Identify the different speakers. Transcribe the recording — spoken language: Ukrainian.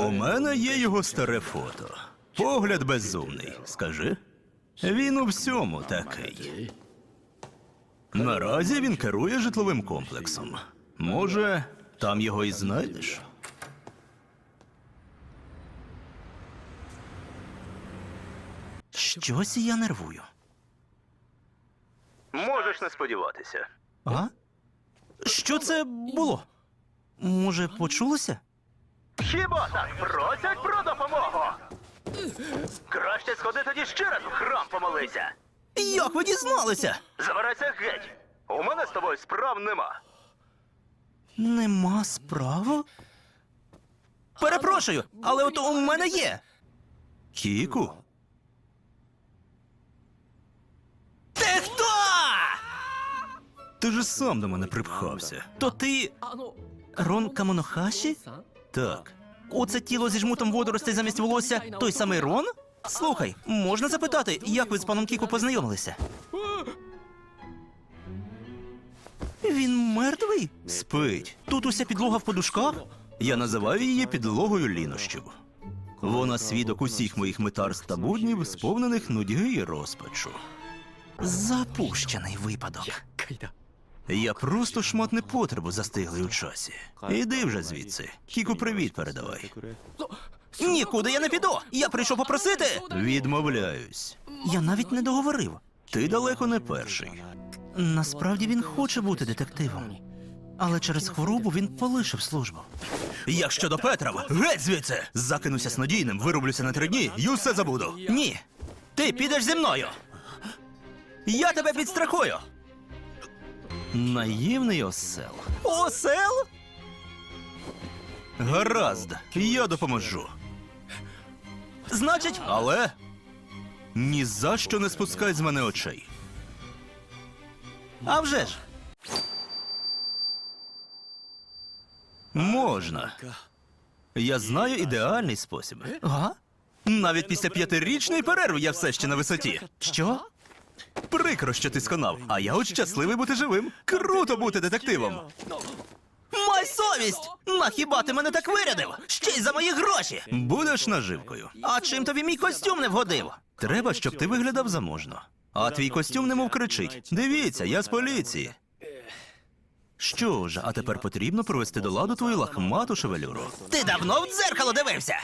Speaker 1: У мене є його старе фото. Погляд безумний, скажи. Він у всьому такий. Наразі він керує житловим комплексом. Може, там його і знайдеш? Щось я нервую. Можеш не сподіватися. А? Що це було? Може, почулося? Хіба так просять про допомогу? Краще сходи тоді ще раз в храм помолися. Як ви дізналися? Забирайся геть. У мене з тобою справ нема. Нема справ? Перепрошую, але от у мене є. Кіку? Ти хто? Ти ж сам до мене припхався. То ти... Рон Камонохаші? Так. Оце тіло зі жмутом водоростей замість волосся той самий Рон? Слухай, можна запитати, як ви з паном Кіку познайомилися? Він мертвий? Спить. Тут уся підлога в подушках? Я називаю її підлогою лінощів. Вона свідок усіх моїх метарств та буднів, сповнених нудьги і розпачу. Запущений випадок. Я просто шмат непотребу застиглий у часі. Іди вже звідси. Кіку привіт передавай. Нікуди я не піду! Я прийшов попросити! Відмовляюсь. Я навіть не договорив. Ти далеко не перший. Насправді він хоче бути детективом. Але через хворобу він полишив службу. Як щодо Петрова, геть звідси! Закинуся снодійним, вирублюся на 3 дні і усе забуду. Ні! Ти підеш зі мною! Я тебе підстрахую! Наївний осел. Осел? Гаразд, я допоможу. Значить, але ні за що не спускай з мене очей. А вже ж. Можна. Я знаю ідеальний спосіб. Ага? Навіть після 5-річної перерви я все ще на висоті. Що? Прикро, що ти сконав, а я от щасливий бути живим. Круто бути детективом. Май совість! На хіба ти мене так вирядив? Ще й за мої гроші! Будеш наживкою. А чим тобі мій костюм не вгодив? Треба, щоб ти виглядав заможно. А твій костюм немов кричить. Дивіться, я з поліції. Що ж, а тепер потрібно привести до ладу твою лахмату шевелюру. Ти давно в дзеркало дивився?